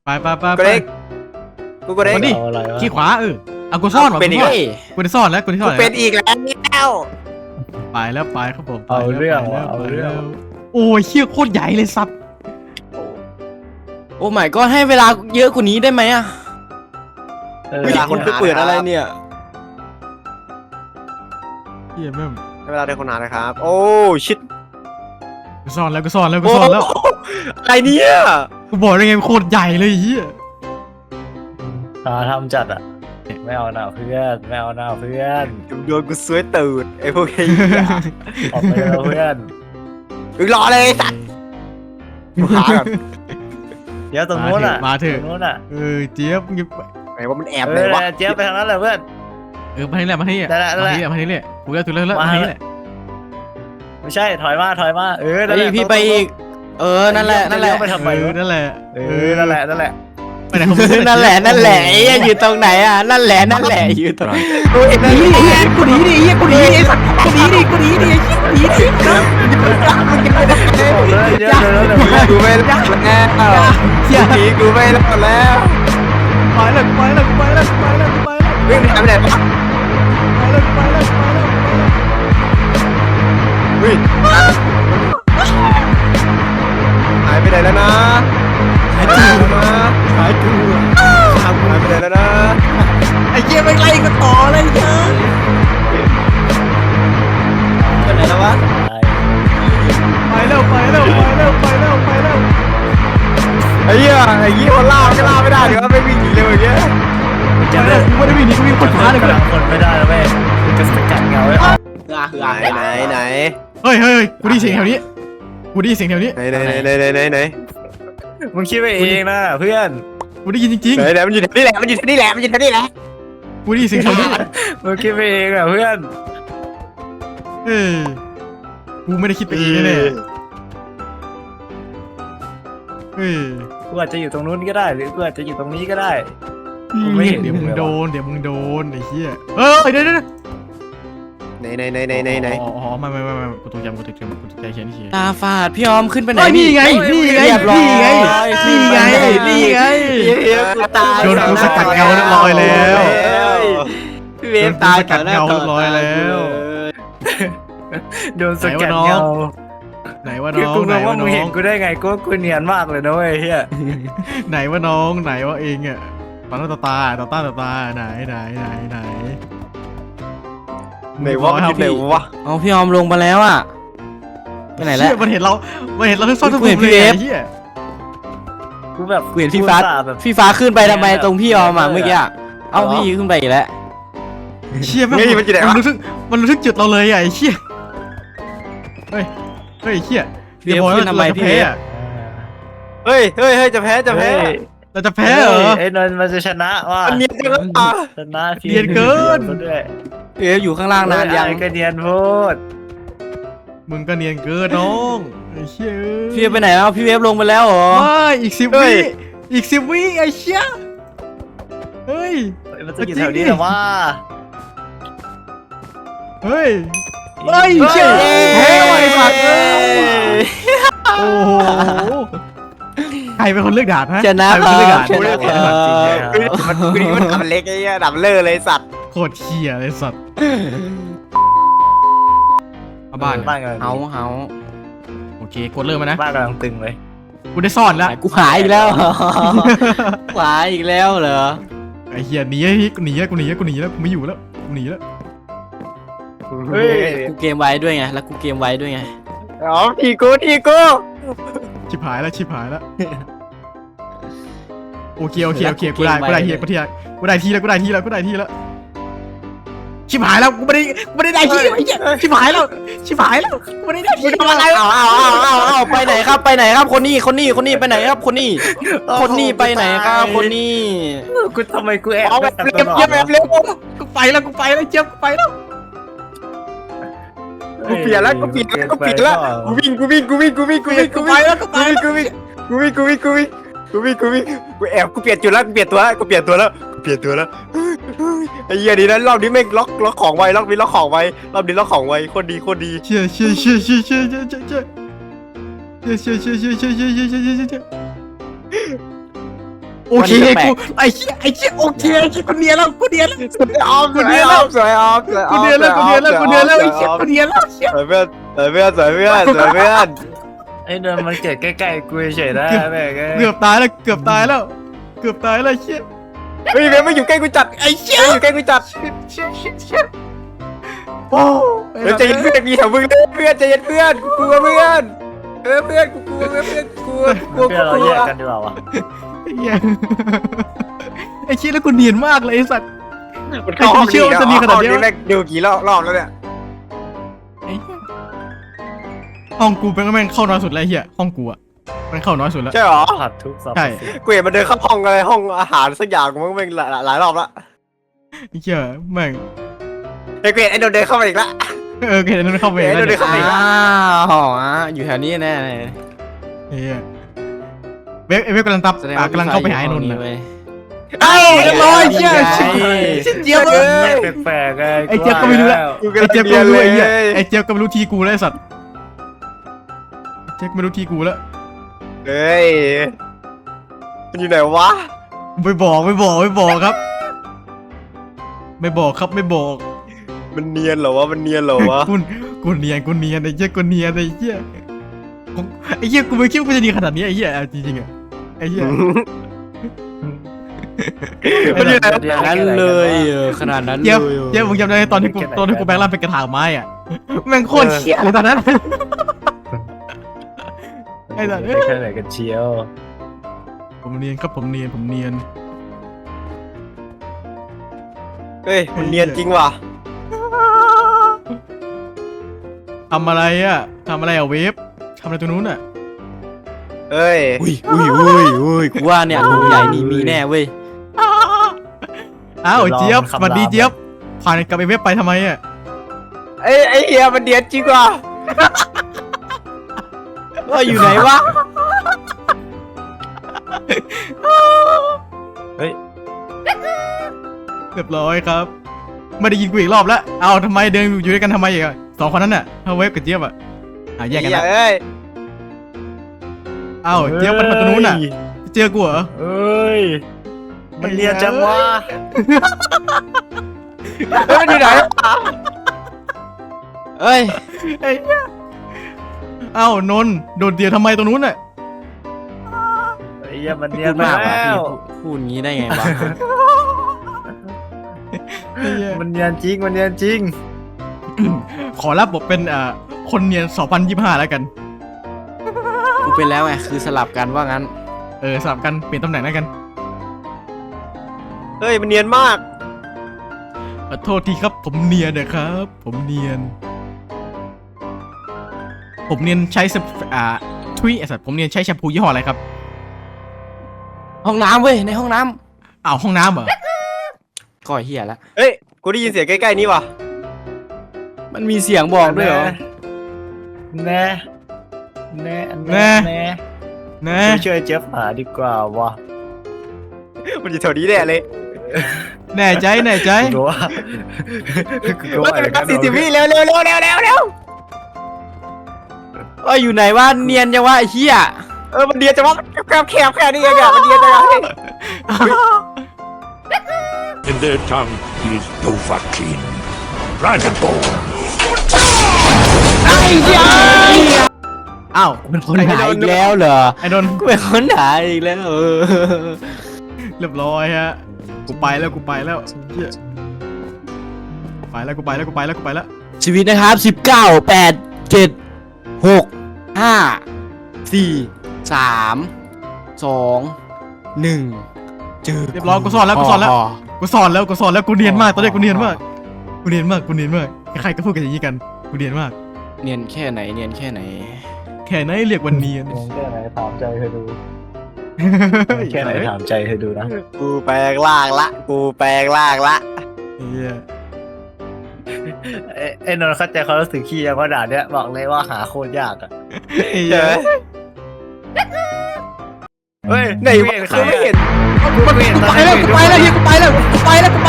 ไปกูเด็กกูเด็กมาดิเอาอะไรวะขี้ขวาเอากูซ่อนว่ะเป็นอีกกูได้ซ่อนแล้วกูได้ซ่อนแล้วเป็นอีกแล้วไปแล้วไปครับผมเอาเรื่องไปแล้วเอาเรื่องโอ้ยเชี่ยโคตรใหญ่เลยสัตว์โอ้ไม่ก็ให้เวลาเยอะกว่านี้ได้ไหมอะเวลาคนหาเปิดอะไรเนี่ยเชี่ยแม่งเวลาเดินคนหานะครับ โอ้ชิดกูซ่อนแล้วกูซ่อนแล้วกูซ่อนแล้วอะไรเนี่ยกูบอกได้ไงมันโคตรใหญ่เลยไอ้เฮียหาทำจัดอ่ะไม่เอาหน้าเพื่อนไม่เอาหน้าเพื่อนโดนกูซวยตูดไอ้พวกไอ้ออกไปแล้วเพื่อนมึงรอเลยสัตว์กูหาก่อนเดี๋ยวตรงนู้นอ่ะมาเถตอะรงนู้นอ่ะเจี๊ยบมึงจะไหนว่ามันแอบเอเลอยวะเจี๊ยบไปทางนั้นแหละเพื่อนมาที่แหละมาที่นี่ได้แล้วได้แล้วมาที่นี่กูจะถึงแล้วมาที่นี่แหละไม่ใช่ถอยมาเออนั่นแหเฮ้ยละพี่ไปอีก นั่นแหละเลี้ยวไปทำไมวะนั่นแหละเออนั่นแหละนั่นแหละไปไหนของมึงนั่นแหละไอ้อยู่ตรงไหนอะนั่นแหละอยู่ตรงไหนกูเห็นหนีดิกูหนีดิกูหนีดิสัตว์กูหนีดิกูหนีดิหนีดิบอกเลยเยอะเลยแล้วกูไม่รอดแล้วเชี่ยผีกูไม่รอดแล้วไปแล้วไปแล้วไปแล้วไปแล้วไปแล้ววิ่งหายไปไหนวะไปแล้วไปแล้วไปแล้ววิ่งหายไปไหนแล้วนะหายไปไหนแล้วนะหายไปไหนแล้วนะไอ้เหี้ยไม่ไล่กันต่อเลยเยอะไปไหนแล้ววะไปแล้วไปแล้วไปแล้วไปแล้วไปแล้วไอ้เหี้ยคนล่ามันก็ล่าไม่ได้เดี๋ยวไม่วิ่งหนีเร็วอย่างเงี้ยไปแล้วกูไม่ได้วิ่งหนีกูวิ่งคนช้าเลยกูกำลังคนไม่ได้แล้วแม่จะสกัดเงาไว้ไหนเฮ้ยเฮ้ยกูได้ยินเสียงแถวนี้กูได้ยินเสียงแถวนี้ไหนมึงคิดไปเองนะเพื่อนกูได้ยินจริงไหนมันอยู่แถวนี้แหละมันอยู่แถวนี้แหละมันอยู่แถวนี้แหละๆกูได้ยินเสียงแถวนี้มึงคิดไปเองนะเพื่อนเฮ้ยกูไม่ได้คิดไปเองแน่เฮ้ยกูอาจจะอยู่ตรงนู้นก็ได้หรือกูอาจจะอยู่ตรงนี้ก็ได้เดี๋ยวมึงโดนเดี๋ยวมึงโดนไอ้เหี้ยเดี๋ยวไหนอ๋อไม่กูตกใจกูตกใจเขียนเขียนตาฝาดพี่ออมขึ้นไปไหนนี่ไงนี่ไงเรียบร้อยนี่ไงนี่ไงกูตายโดนกูสกัดเงาเรียบร้อยแล้วพี่เวฟตายโดนกูสกัดเงาเรียบร้อยแล้วโดนสกัดเงาไหนว่าคือน้องกูไหนงงว่าว่ามึน้งอเห็นงกูได้ไงกูเนียนมากเลยนะเว้ยเฮียไหนว่าน้องไหนว่าเองอ่ะตาตาตาไหนไหนวะมันอยู่ไหนวะเอาพี่ออมลงมาแล้วอะไปไหนแล้วมันเห็นเราซ่อนทุกกูเห็นพี่เวฟเหี้ยกูแบบกูเห็นพี่ฟ้าอุตส่ห์แบบพี่ฟ้าขึ้นไปทำไมตรงพี่ออมอะเมื่อกี้อะเอ้าพี่ขึ้นไปอีกแล้วเชี่ยมันรู้สึกจุดเราเลยอ่ะไอ้เชี่ยเฮ้ยเชี่ยพี่เวฟขึ้นทำไมพี่เวฟเฮ้ยจะแพ้เราจะแพ้เหรอไอ้นนท์มันจะชนะว่ะมันเนียนจังเลยอ่ะชนะทีเนียนเกินด้วยพี่เวฟอยู่ข้างล่างนานยังไอ้ก็เนียนพูดมึงก็เนียนเกินน้องไอ้เชี่ยพี่เวฟไปไหนแล้วพี่เวฟลงไปแล้วเหรอไม่อีก10 วิไอ้เชี่ยเฮ้ยมันจะอยู่แถวนี้เหรอวะเฮ้ยเชี่ยแพ้ว่ะไอ้สัตว์เอ้ยโอ้โหใครเป็นคนเลือกด่านฮะชนะใครเป็นคนเลือกด่านชนะมันดับเล็กไอ้เหี้ยดับเลอเลยสัตว์โคตรเชี่ยเลยสัตว์เอาบ้านบ้านกันเฮาโอเคกดเริ่มมานะบ้านกำลังตึงเลยกูได้ซ่อนแล้วกูหายอีกแล้วหายอีกแล้วเหรอไอ้เหี้ยหนีกูหนีแล้วกูไม่อยู่แล้วกูหนีแล้วเฮ้ยกูเกมไว้ด้วยไงแล้วกูเกมไว้ด้วยไงอ๋อทีกูชิบหายแล้วโอเคกูได้ทีแล้วชิบหายแล้วกูไม่ได้ทีไอ้เหี้ยชิบหายแล้วกูไม่ได้ทีทำอะไรเอาไปไหนครับคนนี้ไปไหนครับคนนี้ไปไหนครับคนนี้กูทำไมกูแอบเอาแบบเร็วกูไปแล้วเจี๊ยบกูไปแล้วกูเปลี่ยนแล้วกูวิ่งกูไปแอบกูเปลี่ยนจุดแล้วกูเปลี่ยนตัวแล้วไอ้เหี้ยดีนะรอบนี้แม่งล็อกของไวรอบนี้ล็อกของไวโคตรดีเชี่ยโอเคกูไอ้เชี่ยโอเคไอ้เชี่ยกูเนียนแล้วกูเนียนแล้วสวยออมสวยออมสวยออมสวยออมกูเนียนแล้วไอ้เชี่ยกูเนียนแล้วเชี่ยสวยเพื่อนสวยเพื่อนสวยเพื่อนสวยเพื่อนไอ้นนท์มันเกิดใกล้ๆกูเฉยๆนะแม่งเกือบตายแล้วเกือบตายแล้วเชี่ยเฮ้ยเบลไม่อยู่ใกล้กูจัดไอ้เชี่ยอยู่ใกล้กูจัดเชี่ยโอ้เฮ้ยใจเย็นเพื่อนมีแถวมึงเลยเพื่อนใจเย็นเพื่อนกูกลัวเพื่อนเพื่อนกูกลัวเพื่อนกลัวเพื่อนเราแยกกันดีกว่าวะไอ้เชี่ยแล้วกูเนียนมากเลยไอ้สัตว์มันเข้าห้องนี้แล้วห้องนี้แม่งดูกี่รอบแล้วเนี่ยห้องกูเป็นแม่งเข้าน้อยสุดแล้วเฮียห้องกูอะมันเข้าน้อยสุดแล้วใช่หรอผัดทุกสัปใช่กูเห็นมันเดินเข้าห้องอะไรห้องอาหารสักอย่างมันแม่งหลายรอบละไอ้เชี่ยแม่งไอ้เกรดไอ้โดนเดินเข้ามาอีกละเห็นนั่นเข้าไปเดี๋ยวแล้วเดี๋ยวอ้าวอยู่แถวนี้แน่เลยเฮียเว็บกำลังตับแสดงว่ากำลังเข้าไปหาไอ้นนท์ห้นะงเว้ยเอ้าเรียบร้อยเชี่ยไงเจี๊ยบเลยแปลกๆไงไอ้เจี๊ยบก็ไม่รู้แล้วกูไอ้เจี๊ยบก็เรียนไม่รู้เลไอ้ยเหี้ยไอ้เจี๊ยบก็ไม่รู้ทีกูแล้วไอ้สัตว์เจี๊ยบไม่รู้ทีกูแล้วเฮ้ยมันอยู่ไหนวะไม่บอกครับ ไม่บอกครับไม่บอกมันเนียนเหรอวะมันเนียนเหรอวะกูเนียนไอ้เจี๊ยกูเนียนไอ้เจี๊ยกูไม่คิดว่ากูจะดีขนาดนี้ไอ้เหี้ยจริงๆอะไอ้เหี้ยมันอยู่ไหนอย่างนั้นเลยขนาดนั้นเลเจี๊ยบยเจี๊ยบมึงจำได้ตอนที่กูแบงค์ร่างเป็นกระถางไม้อะแม่งโคตรเชี่ยเลยตอนนั้นไอ้สัตว์แค่ไหนกันเชียวผมเนียนครับผมเนียนเฮ้ยมันเนียนจริงว่ะทำอะไรอะเวฟทำอะไรตรงนู้นอะเฮ้ยอุ้ยกูว่าเนี่ยถุงใหญ่นี่มีแน่เว้ยอ้าวเจี๊ยบสวัสดีเจี๊ยบผ่านกับไอ้เว็บไปทำไมอะไอ้เฮียมันเนียนจริงว่ะว่าอยู่ไหนวะเรียบร้อยครับไม่ได้ยินกูอีกรอบแล้วเอาทำไมเดินอยู่ด้วยกันทำไมอีกอะสองคนนั้นน่ะเอาเว็บกับเจี๊ยบอะแยกกันนะเฮ้ยอ้าวเจี๊ยบมันมาตรงนู้นน่ะเจอกูเหรอเอ้ยมันเรียนจังวะมันอยู่ไหนเอ้ยไอ้เหี้ยอ้าวนนท์โดดเดี่ยวทำไมตรงนู้นน่ะไอ้เหี้ยมันเรียพูนดมากแล้ว่ะวพี่พูดงี้ได้ไงวะไอ้เหี้ยมันเรียนจริงขอรับบทเป็นคนเนียน2025แล้วกันกูเป็นแล้วไงคือสลับกันว่างั้นสลับกันเปลี่ยนตำแหน่งแล้วกันเฮ้ยมันเนียนมากขอโทษทีครับผมเนียนนะครับผมเนียนใช้ทุยไอ้สัตว์ผมเนียนใช้แชมพูยี่ห้ออะไรครับห้องน้ำเว้ยในห้องน้อ้าวห้องน้ำเหรอำก่อยเหี้ยละเฮ้ยกูได้ยินเสียงใกล้ๆนี่ว่ะมันมีเสียงบอกด้วยเหรอแน่นะช่วยเจี๊ยบหาดีกว่าวะมันอยู่แถวนี้แน่เลยแน่ใจกูว่าแล้วเป็นการ40 วิเร็วเอ้ยอยู่ไหนวะเนียนจังวะไอ้เหี้ยมันเนียนจังวะแคบแค่นี้เองอะมันเนียนจังวะ In their tongue is Dovahkiin, Dragonborn. อ้าวเป็นคนหายอีกแล้วเหรอไอ้นนท์กูเป็นคนหายอีกแล้วเรียบร้อยฮะกูไปแล้วเหี้ยไปแล้วชีวิตนะครับ19 8 7 6 5 4 3 2 1จืดเรียบร้อยกูสอนแล้วกูเนียนมากตอนนี้กูเนียนมากใครก็พูดกันอย่างนี้กันกูเนียนมากเนียนแค่ไหนแค่ไหนเรียกวันเนียนแค่ไหนถามใจเธอดูแค่ไหนถามใจเธอดูนะกูแปลงร่างละเหี้ยไอ้นนท์เข้าใจเขารู้สึกขี้ยังว่าด่าเนี้ยบอกเลยว่าหาโคตรยากอ่ะเจอเฮ้ยไหนวะกูไม่เห็นกูไปแล้วเฮียกูไปแล้วไปไหนไป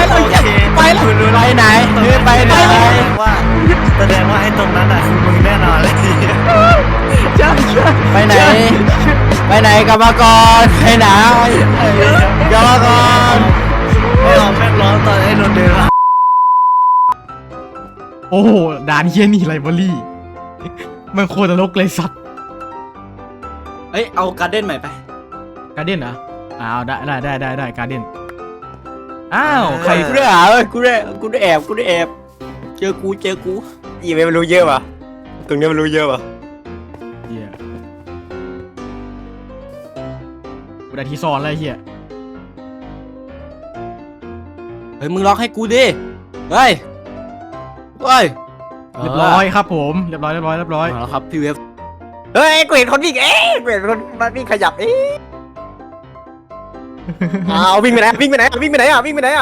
ไหนว่าแสดงว่าไอ้ตรงนั้นอ่ะคือมึงแน่นอนเลยใช่ไปไหนกลับมาก่อนไปไหนโอ้โหด่านเฮียนี่ไลบรารีมันโคตรนรกเลยสัตว์เอ้ยเอาการ์เด้นใหม่ไปการ์เด้นเหรออ้าวได้การ์เด้นอ้าวใคใครรกูได้หาเว้ยกูได้แอบเจอกูอีเมลมันรู้เยอะป่ะตรงนี้มันรู้เยอะป่ะเฮียกูได้ที่ซ่อนแล้วไอ้เฮียเฮ้ยมึงล็อกให้กูดิเฮ้ยเรียบร้อยครับผมเรียบร้อยเอาแล้วครับพี่เวฟเฮ้ยกูเห็นคนวิ่งกูเห็นคนมาวิ่งขยับอ้าววิ่งไปไหนวิ่งไปไหนวิ่งไปไหนวิ่งไปไหน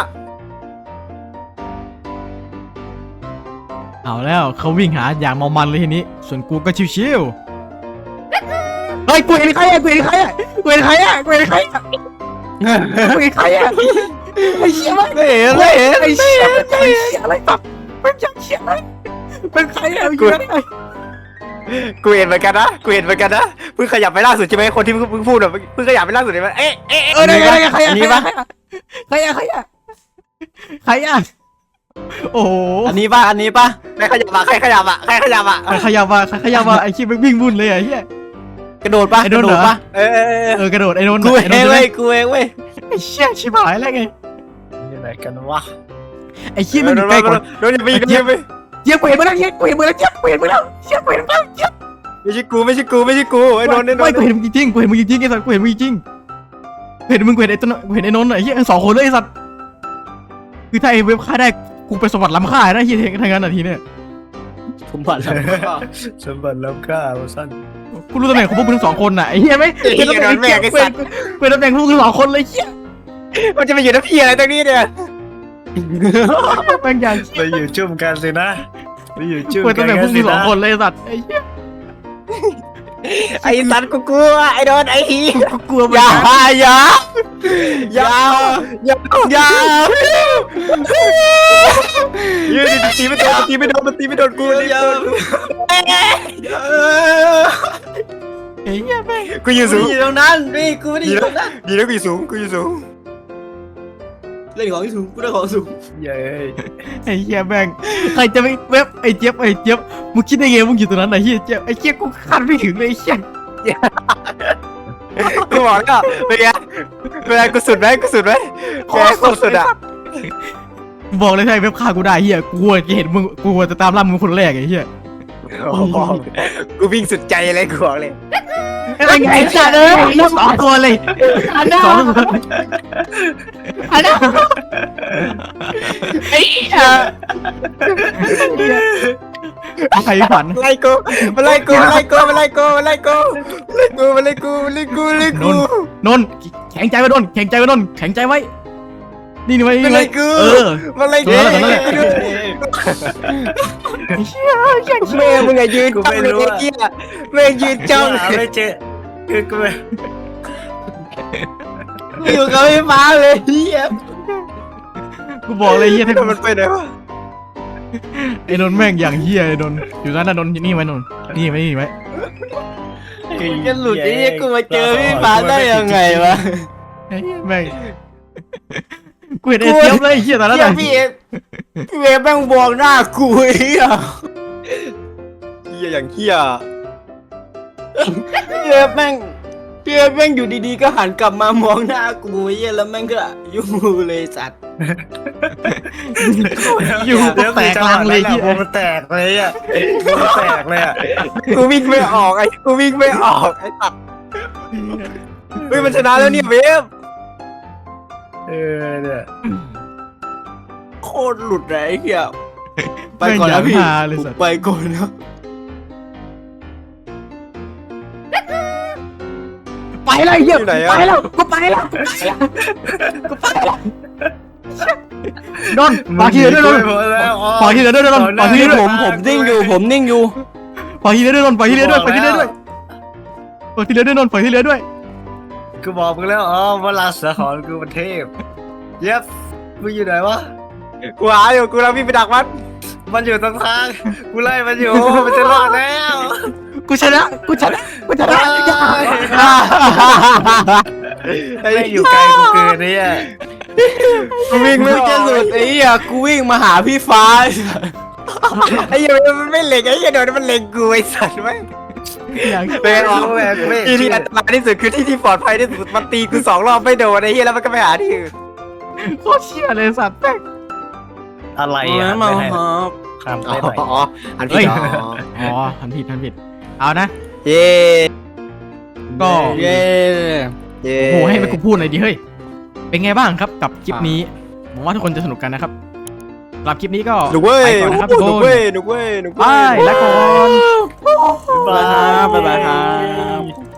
เอาแล้วเขาวิ่งหาอย่างเมามันเลยทีนี้ส่วนกูก็ชิวๆเฮ้ยกูเห็นใครอ่ะไอ้เชี่ยมันไม่เห็นไอ้เชี่ยอะไรตับมันจะเชี่ยอะไรเป็นใครอ่ะอยู่ไหนกูเห็นเหมือนกันนะเพิ่งขยับไปล่าสุดใช่ไหมคนที่เพิ่งพูดอะเพิ่งขยับไปล่าสุดใช่ไหมได้ใครอ่ะโอ้โหอันนี้ปะใครขยับอะใครขยับอะใครขยับมาไอ้ขี้วิ่งวุ่นเลยไอ้เหี้ยกระโดดปะไอ้โดนเหรอ กระโดดไอ้โดนกูเองเว้ยไอ้เชี่ยชิบหายแล้วไงนี่ไหนกันวะไอ้ขี้มันอยู่ใกล้กว่าโดนอย่าไปอย่าไปเจี๊ยบกูเห็นมึงแล้วเจี๊ยบกูเห็นมึงแล้วเจี๊ยบไม่ใช่กูไอ้โดนไม่กูเห็นมึงจริงไอ้สัตว์กูเห็นมึงจริงเห็นไอ้ต้นกูเห็นไอ้นนท์ไอ้เหี้ยสองคนเลยไอ้สัตว์คือถ้าไอ้เว็บฆ่าได้กูไปสวรรค์ล้ำค่านะเฮียทางนั้นนาทีเนี่ยผมบัตรแล้วสมบัติล้ำค่าสั้นกูรู้ตำแหน่งของพวกมึงทั้งสองคนน่ะไอ้เฮียไหมเป็นตำแหน่งพวกมึงสองคนเลยเฮียมันจะไปอยู่น้ำพี่อะไรตรงนี้เนี่ยแม่งอย่างไปอยู่จุ่มกันสินะไปอยู่จุ่มเป็นกัตำแหน่งพวกมึงสองคนเลยสัตว์ไอ้เหี้ยไอ้สัตว์กูกลัวไอ้โดนไอ้ฮีกูกลัวอย่ายืนตีไม่โดนกูไอ้เหี้ยแม่งกูอยู่สูงอยู่ตรงนั้นนี่กูไม่ได้อยู่ตรงนั้นดีแล้วกูอยู่สูงเล่นของสูงกูได้ของสูงเย้ยไอ้เหี้ยแม่งใครจะไปเว็บไอ้เจี๊ยบมึงคิดได้ไงมึงอยู่ตรงนั้นไอ้เหี้ยเจี๊ยบไอ้เจี๊ยบกูคาดไม่ถึงเลยไอ้เหี้ยกูบอกแล้วเป็นไงกูสุดไหมโคตรสุดอ่ะบอกเลยถ้าไอ้เว็บฆ่ากูได้เหี้ยกูจะเห็นมึงกูจะตามล่ามึงคนแรกไอ้เหี้ยกูวิ่งสุดใจเลยกูบอกเลยไอ้สัตว์เอ้ยสองคนเลยสองคนไอ้เหี้ยใครฝันไล่กูมาไล่กูนนแข็งใจไว้นนแข็งใจไว้นี่ไว้มาไล่กูแม่มึงไงยืนจ้องเลยไอ้เหี้ยแม่งยืนจ้องหาไม่เจอคือกูอยู่กับพี่ฟ้าเลยเฮียกูบอกเลยเฮียถ้ามันไปไหนวะไอ้นนแม่งอย่างเฮียไอ้นนอยู่นั่นน่ะนนนี่ไว้นนนี่ไว้กันหลุดไอ้เฮียกูมาเจอพี่ฟ้าได้ยังไงวะไอ้เหี้ยแม่งกูเห็นไอ้เจี๊ยบเลยไอ้เฮียตอนนั้นพี่เวฟแม่งบวกหน้ากูเฮียอย่างเหี้ยพี่เวฟแม่งอยู่ดีๆก็หันกลับมามองหน้ากูเฮียแล้วแม่งก็ยุ่งเลยสัตว์อยู่ก็แตกลังเลยเฮียมันแตกเลยอ่ะมันแตกเลยอ่ะกูวิ่งไม่ออกไอ้ตัดเฮ้ยมันชนะแล้วเนี่ยเวฟเนี่ยโคตรหลุดเลยไอ้เฮียไปก่อนนะพี่แม่งอย่างฮาเลยสัตว์ไปก่อนนะไปแล้วไอ้เฮียอยู่ไหนอะไปแล้วกูไปแล้วนนปาทีเดียวด้วยนนปาทีเดียวด้วยนนปาทีเดียวด้วยผมนิ่งอยู่ปาทีเดียวด้วยนนปาทีเดียวด้วยปาทีเดียวด้วยปาทีเดียวด้วยนนปาทีเดียวด้วยกูบอกมึงแล้วเวลาเสือหอนกูมันเทพเย็บมึงอยู่ไหนวะกูหาอยู่กูแล้ววิ่งไปดักมันมันอยู่ตรงทางกูไล่มันอยู่มันจะรอดแล้วกูชนะไม่อยู่ไกลกูเกินเนี่ยกูวิ่งไม่ไม่อจะอกหลุดไอ้เหี้ยกูวิ่งมาหาพี่ฟ้าไอ้เหี้ยมันไม่เล็งไอ้เหี้ยโดนมันเล็งกูไอ้สัตว์ไหมอย่างเป็นออกที่ที่อันตรายที่สุดคือที่ที่ปลอดภัยที่สุดมันตีกู2 รอบไม่โดนไอ้เหี้ยแล้วมันก็ไปหาที่อื่นโคตรเชี่ยเลยสัตว์แม่งอะไรอ่ะมาไม่ให้ครับข้ามอ๋ไปหน่อยออันผิดเหรออ๋อทันผิดเอานะเย้ก็เย้เย้โหให้ไปกูพูดหน่อยดิเฮ้ยเป็นไงบ้างครับกับคลิปนี้หวังว่าทุกคนจะสนุกกันนะครับสำหรับคลิปนี้ก็หนุกเว้ยไปก่อนนะครับทุกหนุกคนเว้ยหนุกเว้ยหนุกไปเว้ยแล้วก่อนบ๊ายบายครับ